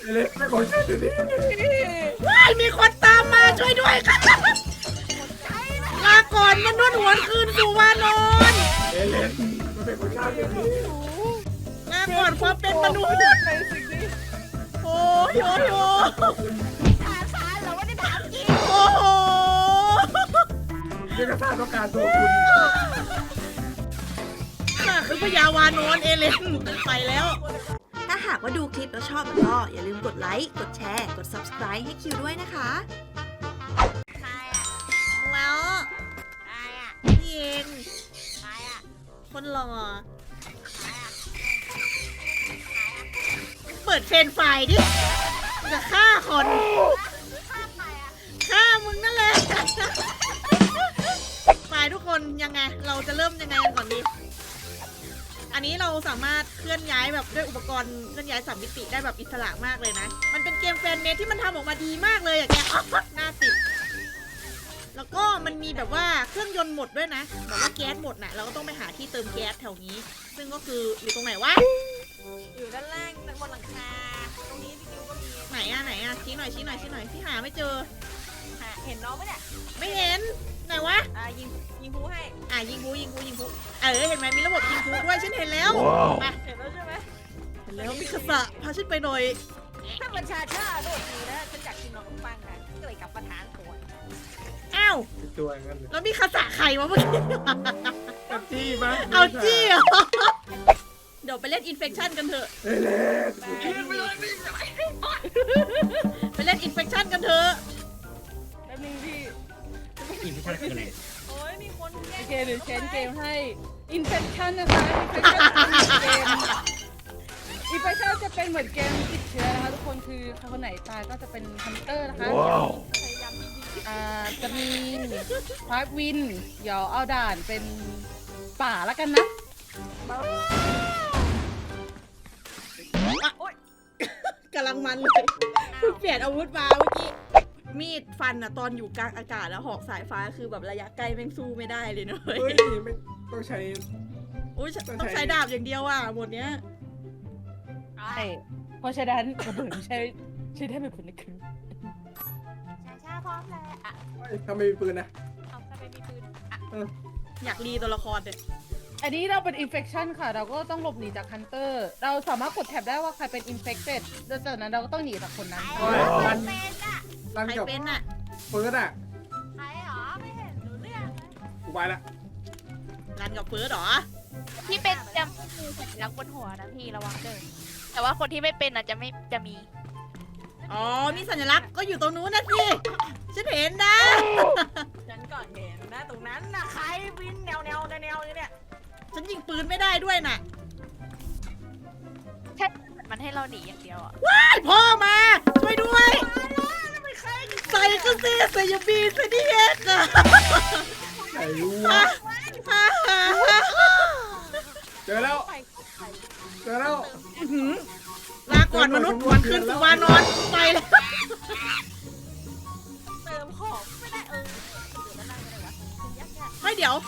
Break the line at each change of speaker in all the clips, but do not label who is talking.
เล็กไม่ขอช่วยดูดิ
ว้ายมีคนตามมาช่วยด้วยครับลาก่อนมนุษย์หวนคืนสู่วานอน
เล็กมันเป็นคนชาติดูดิ
ลาก่อนความเป็นมนุษย์
ในสิ่งนี้
โอ้ยโอ้ยโอ้ย
ถามฉันเหรอว่าได้ถามจริง
โอ้โห
เรื่องกระซ่าต้องการตัวคุณ
ข้าคือพญาวานอนเอเลนไปแล้ว
ถ้าหากว่าดูคลิปแล้วชอบแล้วก็อย่าลืมกดไลค์ กดแชร์ กด subscribe ให้คิวด้วยนะคะใครอ่ะ
แล้ว
ใครอ่ะ
พี่เอง
ใครอ่ะ
คนหล่อ
ใครอ่ะ
เปิดเฟรนไฟล์ดิจะฆ่าคน
ข้าใครอ่ะ
ฆ่ามึงนั่นแหละฝ่ายทุกคนยังไง เราจะเริ่มยังไงกันก่อนดี อันนี้เราสามารถเคลื่อนย้ายแบบด้วยอุปกรณ์เคลื่อนย้ายสามมิติได้แบบอิสระมากเลยนะ มันเป็นเกมแฟนเมดที่มันทำออกมาดีมากเลยอะแกหน้าติด แล้วก็มันมีแบบว่าเครื่องยนต์หมดด้วยนะแบบว่าแก๊สหมดน่ะ เราก็ต้องไปหาที่เติมแก๊สแถวนี้ ซึ่งก็คืออยู่ตรงไหนวะ
อยู่ด้านล่างบนหลังคา ตรงนี้พี่คิวก็มี
ไหนอะไหนอะชี้หน่อยชี้หน่อยชี้หน่อยพี่หาไม่เจอ
เห็นน้องไหมเนี่ย
ไม่เห็น ไหนวะ
ยิงพูให้
ยิงพูเห็นไหมมีระบบยิงพูด้วยฉันเห็นแล้วมา
เห็นแล้วใช่ไหม
เห็นแล้วมิคาสะพาฉันไปหน่อย
ถ้ามันชาโดดทีนะฉันอยากกินน้องปังนะก็เลยกลับมาทานตัว
อ้าว
ตัวอย่างนั้นเลย
แล้วมิคาสะใครวะเมื่อกี้
เอาจี้มั้ย
เอาจี้เหรอเดี๋ยวไปเล่นอินเฟคชันกันเถอะ
เล็ก
ไปเล่นอินเฟคชันกันเถอะ
แป๊บนึงพี่
อินที่ใช่คืออะไร
โอ้ยมีคนแย่
โอเคเดี๋ยวเชนเกมให้ Infection นะคะ Infection จะเป็นเหมือนเกมติดเชื้อนะคะทุกคนคือคนไหนตายก็จะเป็นฮันเตอร์นะคะ
พยายามยิง
จะมีพาร์ทวินเดี๋ยวเอาด่านเป็นป่าแล้วกันนะ
กำลังมันเลยเพิ่งเปลี่ยนอาวุธมาเมื่อกี้ มีดฟันอะตอนอยู่กลางอากาศแล้วหอกสายฟ้าคือแบบระยะใกล้แม่งสู้ไม่ได้เลยเนอะ
เฮ้ยไม่ต้องใช้
อุ้ยต้องใช้ดาบอย่างเดียวอ่ะหมดเนี้ย
ใช่เพราะฉะนั้นระเบิดใช้ได้เป็นผลในคืน
ชาพร้อมแล้วอ่ะ
ถ้าไม่มีปืนนะ
เอาถ้าไม่มีปืนอ่ะ
อยากรีตัวละครเนี่ย
อันนี้เราเป็น Infection ค่ะ เราก็ต้องหลบหนีจากฮันเตอร์เราสามารถกดแท็บได้ว่าใครเป็น Infected แล้วจากนั้นเราก็ต้องหนีจากคนนั้น
ใครเหรอเป็นอ่ะ
รัน
ใคร
กับ
เป็นอ่ะ
เฟิร์สอ่ะ
ใครเหรอไม่เห็นรู้เรื่องเลย
กูไปละ
รันกับเฟิร์สเหรอ
ที่เป็นจะไม่มีสัญลักษณ์บนหัวนะพี่ระวังเด้อแต่ว่าคนที่ไม่เป็นอ่ะจะมี
อ๋อ มีสัญลักษณ์ก็อยู่ตรงนู้นนะสิ ฉันเห็นนะ
ฉันก่อนเห็นนะตรงนั้นนะใครวินแนวเนี่ย
ฉันยิงปืนไม่ได้ด้วยน่ะ
แค่มันให้เราหนีอย่างเดียวอ่ะ
ไอ้พ่อมา ช่วยด้วย ใส่ก็สิใส่ยาบีใส่ดิเอ็กอะ
ไหนวะเจอแล้วเจอแล้ว
อื้อหือลาก่อนมนุษย์หวนคืนสู่วานอนไปแล้ว
เติมของไม่ได้เดี๋ยวด้านล่างอะไรวะยาก
เฮ้ยเดี๋ยว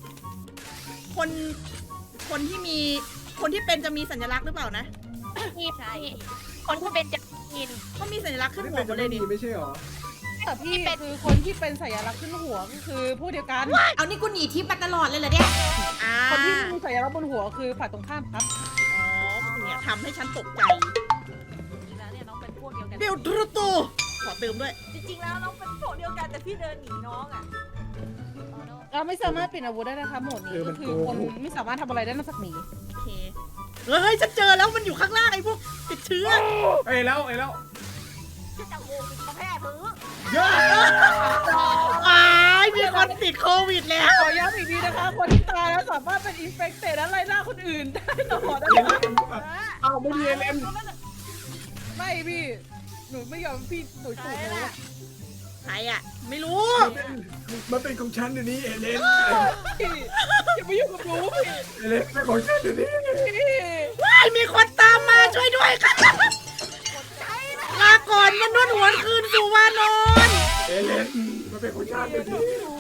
คนที่มี คนที่เป็นจะมีสัญลักษณ์หรือเปล่านะ
พี่คนที่เป็นจะมีน
เขามีสัญลักษณ์ขึ้น
ไม่
หัว
เป็น
หม
จะ
ดเล
ไม่
ย
มี
ดิ
ไม่ใช่หรอ
แต่พี่คือคนที่เป็นสัญลักษณ์ขึ้นหัวก็คือผู้เดียวกัน
เอานี่กูหนีทิพย์มาตลอดเลยเหรอเนี่ย
อ่า
คนที่มีสัญลักษณ์บนหัวคือฝ่ายตรงข้ามครับ
อ๋อเนี่ยทำให้ฉันตกใจ
จริงๆแล้วเนี่ยน้องเป็นพวกเดียวกัน
เบลตรูตูขอเติมด้วย
จริงๆแล้วน้องเป็นพวกเดียวกันแต่พี่เดินหนีน้องอ่ะ
เราไม่สามารถเปลี่ยนอาวุธได้นะคะโหมดนี้ก็คือคนไม่สามารถทำอะไรได้นอกจากหนี
โอเค เฮ้ย ฉันเจอแล้วมันอยู่ข้างล่างไอ้พวกติดเชื้อ
เอ้ยแล้ว
ที่จะโง่กินกาแฟมือ
เยอะ
อ้ายมีคนติดโควิดแล้ว
ขอย้ำอีกทีนะคะ คนที่ตายแล้วสามารถเป็นอินเฟคเตดและไล่ล่าคนอื่นได้ตลอดนะคะ
เอาไม่มีเอเลน
ไม่พี่ หนูไม่ยอมพี่หนูถูกหนู
ใครอ่ะ ไม่รู้
มันเป็นของฉันเดี๋ยวนี้เอเลน
พี่อย่าไปยุ่งกับหนูพี่
เอเลนไม่ขอช่วยเดี๋ยวนี้
ว้ายมีคนตามมาช่วยด้วยครับลาก่อนมนุษย์หวนคืนสู่วานอน
เอเลนมันเป็นของฉันเดี๋ยวนี้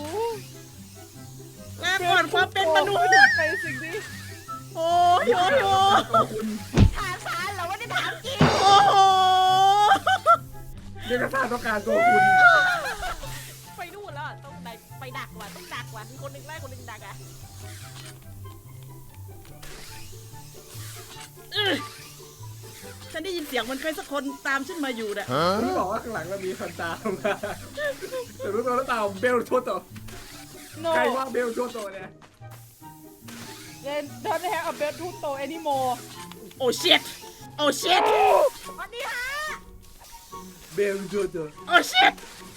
ลาก่อนความเป็นมนุษย์
ในสิ่งนี้
โอ้ยโอ้ยโอ้ย
ตัวคุณ
ถามฉันเหรอว่าได้ถามจริง
โอ้โห
เดี๋ยวกระซ่าต้องการตัวคุณ
ไปนู่นแล้วอะต้องไปดักว่ะต้องดักว่ะมีคนหนึ่งไล่คนหนึ่งดักอ่ะฉันได้ยินเสียงมันใครสักคนตามฉันมาอยู่น่ะ
รู้บอกว่าข้างหลังเรามีคนตามมาแต่รู้ตัวแล้วตามเบลชัวโต
no
ใครว่าเบลชัวโตเนี่ย
they don't have a bed to toe anymore
โอ้ชิตโอ้ชิต
เบลชัวโต
โอ้ชิต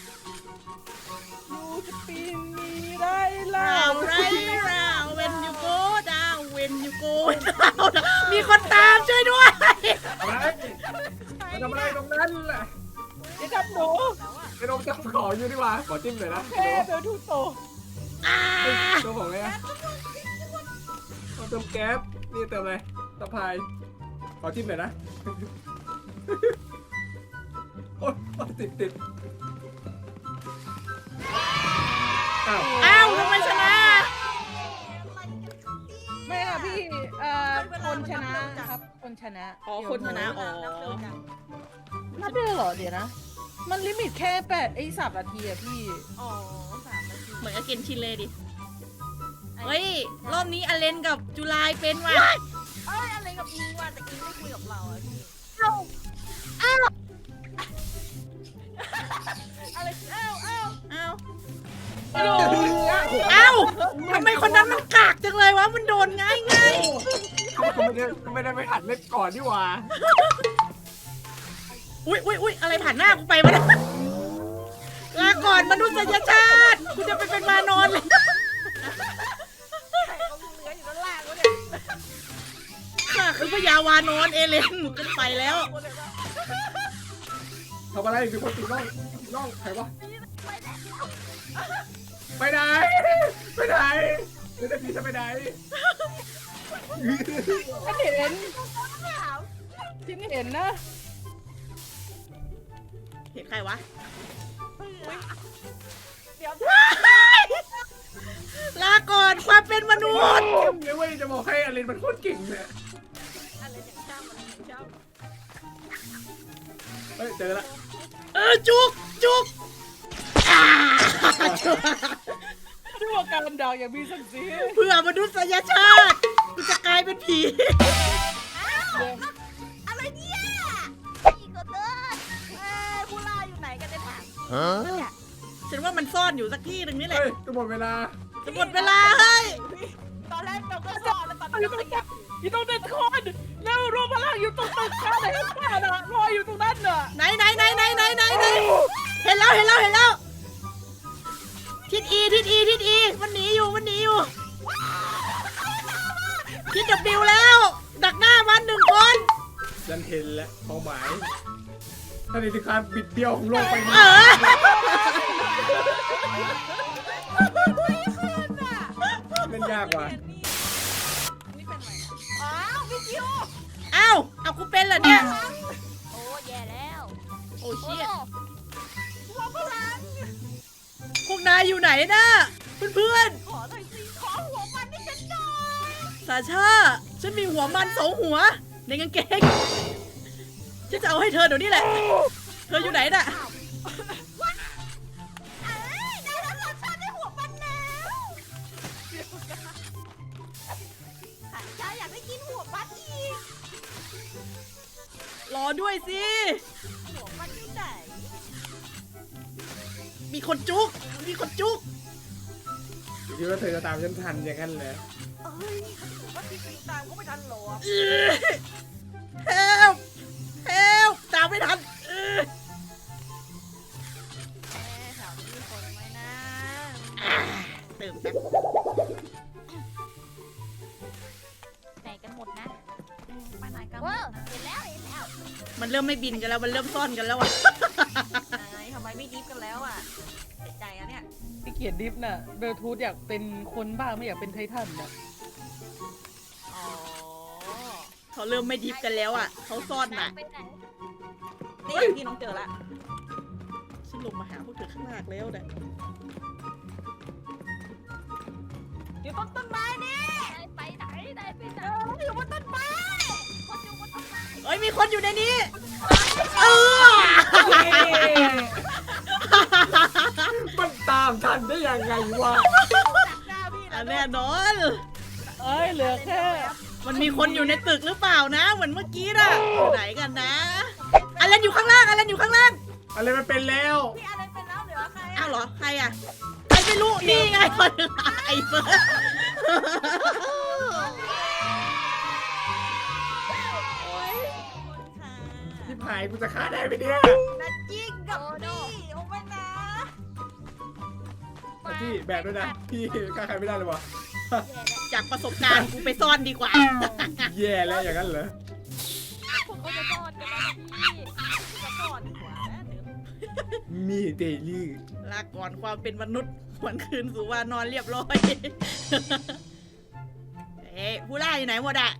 you spin me ได้แล้
ราว วไรราว when you go down when you go down มีคนตามช่วยด้วย
อะไรมาทำอะไรตรงนั้นแหละ
อย่าทำหนู
ไอ้นมจะขออยู่ดีกว่าขอจิ้มหน่อยนะ
แค่เบลทูโต
ตัวของอะไรอะเติมแก๊สนี่เติมอะไรตะพายขอจิ้มหน่อยนะโอ๊ยติดอ้าว
อ้าวทำไมชนะ
ไม่ค่ะพี่คนชนะครับคนชนะ
อ๋อคนชนะอ๋อ
นับได้เหรอเดี๋ยวนะ มันลิมิตแค่3 นาทีอะพี่
อ๋อ3 นาทีเหมือนกับเกนชินเลยดิ เฮ้ย รอบนี้อเลนกับจุลายเป็นว่ะ
เอ้ยอะไรกับอิงว่ะแต่อิงไม่คุยกับเราอะพี่
อะไรอ้าว
โอ้โห
อ้าวทำไมคนนั้นมันกากจังเลยวะ มันโดนง่าย
เขาไม่ได้ไปหัดเล่นก่อนดีกว่า
อุ้ยอะไรผ่านหน้ากูไปวะเนี่ยลาก่อนมนุษยชาติ กูจะไปเป็นมานอนเลย ข้าคือพญาวานอนเอเลนจะไปแล้ว
ทำอะไรมีคนติดล่องใครวะไปไหนไม่ได้พี่จะไปไหน
ฉันเห็นนะ
เห็นใครวะ ลาก่อนความเป็นมนุษย์
เดี๋ยวเว้ยจะบอกให้อลินมันโคตรเก่งเนี่ยเฮ้ยเจอละ
จุกอ่า
ด้วยว่าการด่าอย่างมีศักดิ์ศรี
เพื่อมนุษยชาติกูจะกลายเป็นผี
อะไรเนี่ยอีกคนเดินผู้ล่าอยู่ไหนกันเนี่ยถามเนี่ย
ฉันว่ามันซ่อนอยู่สักที่หนึ่งนี่แหละ
เฮ้ยจะหมดเวลา
จะหมดเวลาเฮ้ย
ตอนแรกเราก็ซ่อนแล้วตอนนี้
อยู่ตรงเด็ดคอนแล้วรวมพลังอยู่ตรงตึกข้าไหนข้าน่ะรออยู่ตรงนั้นน่ะ
ไหนเห็นแล้วทิศอีมันหนีอยู่ทิศWแล้ว ดักหน้ามัน1 คน
ฉันเห็นแล้วเป้าหมายถ้าในที่การบิดเบี้ยวของโลกไป
เอ
นี้
อ
เล่นยากว่ะ
อ้าวพี่คิว
เอากูเป็นเหรอเนี่ย
โอ้แย่แล้ว
โอ้เชี่ย
หัวพลัง
พวกนายอยู่ไหนนะเพื่อน
ขอหน่อยสิขอหัวมันให้ฉันหน่อย
ๆสาชาฉันมีหัวมัน2 หัวในกางเกงฉันจะเอาให้เธอเดี๋ยวนี้แหละ เธออยู่ไหนน่ะ
เอ้ยได้แล้วเหรอฉันได้หัวมันแล้วฉันอยากได้กินหัวมันอีก
รอด้วยสิ
หัวมันอยู่ไหน
มีคนจุก
คิดว่าเธอจะตามฉันทันอย่างนั้นเลย
เอ้ยหัวมันที่ตามก็ไม่ทันหรอ
help ตามไม่ทัน
แถวนี้มีคนไหมนะ
เติมแป๊บ
ไหนกันหมดนะไปไหนกันหมดนะเห็นแล้ว
มันเริ่มไม่บินกันแล้วมันเริ่มซ่อนกันแล้วอ่ะ
ทำไมไม่ดิฟกันแล้วอ่ะเสียใจอะเนี่ย
ที่เกียดดิฟน่ะเบลทูธอยากเป็นคนบ้าไม่อยากเป็นไททันน่ะ
อ๋อ
เขาเริ่มไม่ดิฟกันแล้วอ่ะเขาซ่อนน่ะ
ไปไหน
นี่ที่น้องเจอละฉันลงมาหาพวกเธอข้างล่างแล้วเนี่ย
อยู่บนต้นไม้นี่ไปไหนได้ไปไหนอยู่บนต้นไม้คนอยู่บนต้นไม้
เอ้ยมีคนอยู่ในนี้
เย้
ยังไงวะ
หน้าพี่นะ
แน่นอน
เอ้ยเหลือแค่
มันมีคนอยู่ในตึกหรือเปล่านะ เหมือนเมื่อกี้น่ะอยู่ไหนกันนะอะไรอยู่ข้างล่างอะไรอยู่ข้างล่าง
อะไรมันเป็นแล้ว
พี่อะไรเป็นแล้วเหลือใคร
อ้าวเหรอใครอ่ะใครไม่รู้นี่ไงคนไอ้เฟิร์ส
ที่ผายกูจะฆ่าได้ไหมเนี่ย
นัดจิ้งกับพี่โอ้ไม่นะ
พี่แบกด้วยนะพี่ฆ่าใครไม่ได้เลยวะ
จากประสบการณ์กูไปซ่อนดีกว่า
แย่แล้วอย่างนั้นเหรอ
พวกเขาจะซ่อนกันแล้วนะพี่
จะก่อนดีกว่านะเดี๋ยว
มีเดลี่
ลาก่อนความเป็นมนุษย์หวนคืนสู่วานอนเรียบร้อย เอ๊ะผู้ล่าอยู่ไหนหมดอะ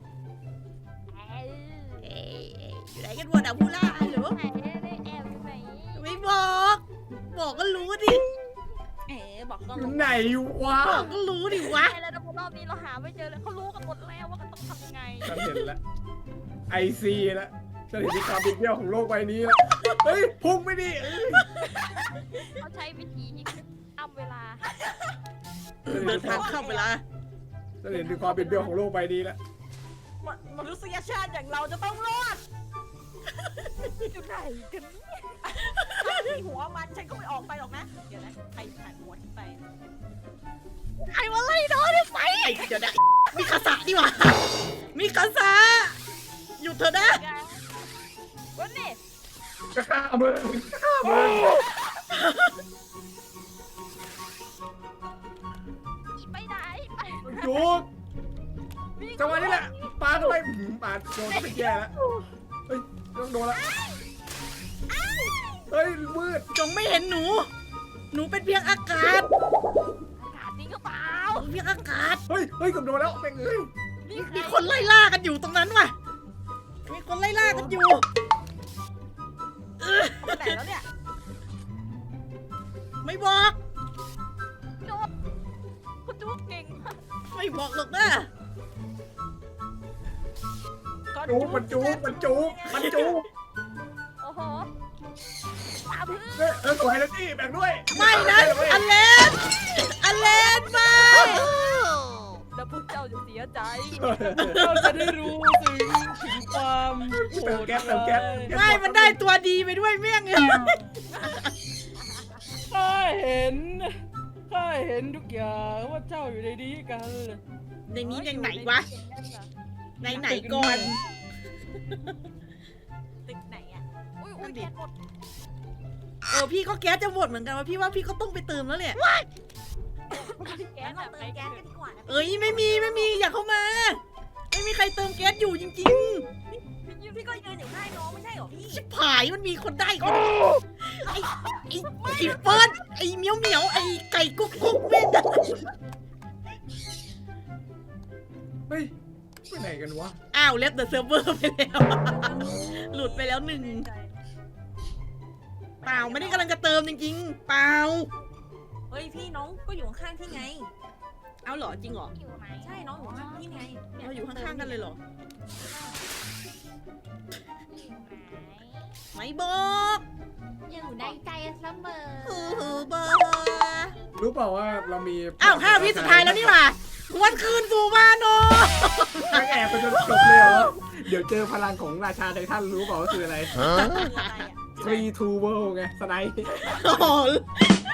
เอ๊ะอยู่ไหนกันหมดอะผู้ล่าหรือว่า
ไหนได้แอบอยู่ไหน
ไม่บอก บอกก็รู้ดิ
บอกก็
อยู่ไหนวะ
บอกก็รู้ดิวะ
ใช่แล้วนะรอบนี้เราหาไม่เจอเลยเขารู้กันหมดแล้วว่ากันต้องทำยังไง
ฉันเห็นแล้วไอซีแล้วฉันเห็นที่ความบิดเบี้ยวของโลกใบนี้แล้วเฮ้ยพุ่งไม่ดี
เขาใช้วิธีอ้ำเวลา
เดินทางเข้าไปละ
ฉันเห็นถึงความบิดเบี้ยวของโลกใบนี้แล้ว
มนุษยชาติอย่างเราจะต้องรอด
อยู่ไหนกัน
ถ้ามีหัวมันฉันก็ไม่ออกไปหรอกนะ เดี๋ยวนะใครผ่านหัวฉันไป
ไอ้มาไล่น้องไป
ไอ้เดี๋ยวนะมีคาสะดีกว่ามีคาสะหยุดเถอะนะ
วันนี้
จะฆ่ามึงจะฆ่ามึง
ไปไหนไป
จุกจังหวะนี้แหละปาเข้าไปปาโดนก็เป็นแย่แล้วเฮ้ยต้องโดนละเฮ้ยมืด
จงไม่เห็นหนู หนูเป็นเพียงอากาศ
อากาศนี่ก็เปล่า
หนูเพียงอากาศ
เฮ้ยเฮ้ยเกับโดนแล้วแม่งเอ้ย
มีคนไล่ล่ากันอยู่ตรงนั้นว่ะ มีคนไล่ล่ากันอยู่
ไปไหนแล้วเนี่ย
ไม่บอก
โดนคุณจุ๊กเก่งมาก
ไม่บอกหรอกนะ
จุกมันจุกมันจุกมันจุก
โอ้โหตาพื้น
สวยแล้วนี่แบ่งด้วย
ไม่นะอเลนอเลนไม่
แล้วพวกเจ้าจะเสียใจ
เราจะได้รู้ถึงความโห
เติม
ด
แก๊สเติมแก๊ส
ไม่มันได้ตัวดีไปด้วยเมี่ยงเอ้ย
ข้าเห็นทุกอย่างว่าเจ้าอยู่ในนี้กัน
ในนี้ยังไหนวะในไหนก่อน
ตึกไหนอ่ะ
อุ้ยอุ้ยแกนหมด
พี่ก็แก๊สจะหมดเหมือนกันว่าพี่ว่าพี่ก็ต้องไปเติมแล้วเนี่ย
แก
งั้
น
น
แบ
เรา
บ
เติ
ไหน
ม
แก
แก๊ส
น
กันดีกว่านะ
เอ้ยไม่มีอย่าเข้ามา ไม่มีใครเติมแก๊สอยู่จริง
พี่ก็ยืนอยู่ข้างน้องไม่ใช่เหรอพี่
ๆชิบหายมันมีคนได้คนไอ้เฟิร์นไอ้เหมียวไอ้ไก่กุ๊กแม่ง
เฮ้ยไปไหนกันวะ
อ้าวเล็บเดอะเซิร์ฟเวอร์ไปแล้ว หลุดไปแล้วหนึ่งเปล่าไม่ได้กำลังจะเติมจริงๆเปล่า
เฮ้ยพี่น้องก็อยู่ข้างๆที่ไง
เอาเหรอจริงเหรอ
อยู่ไหน
ใช่น้องอยู่ข้างที่ไง
เราอยู่ข้างๆกันเลยเหรอ
อยู่ไหน
ไม่บอก
อยู่ในใจเสมอ
บอก
รู้เปล่าว่าเรามี
อ้าว5 วิสุดท้ายแล้วนี่หว่าหวนคืนสู่วานอ
ไม่แอบไปจนจบเลยเหรอเดี๋ยวเจอพลังของราชาไททันรู้เปล่าว่าคืออะไร
คืออะไรอ่ะ
3 2 world ไงสไนป์
โอ้โห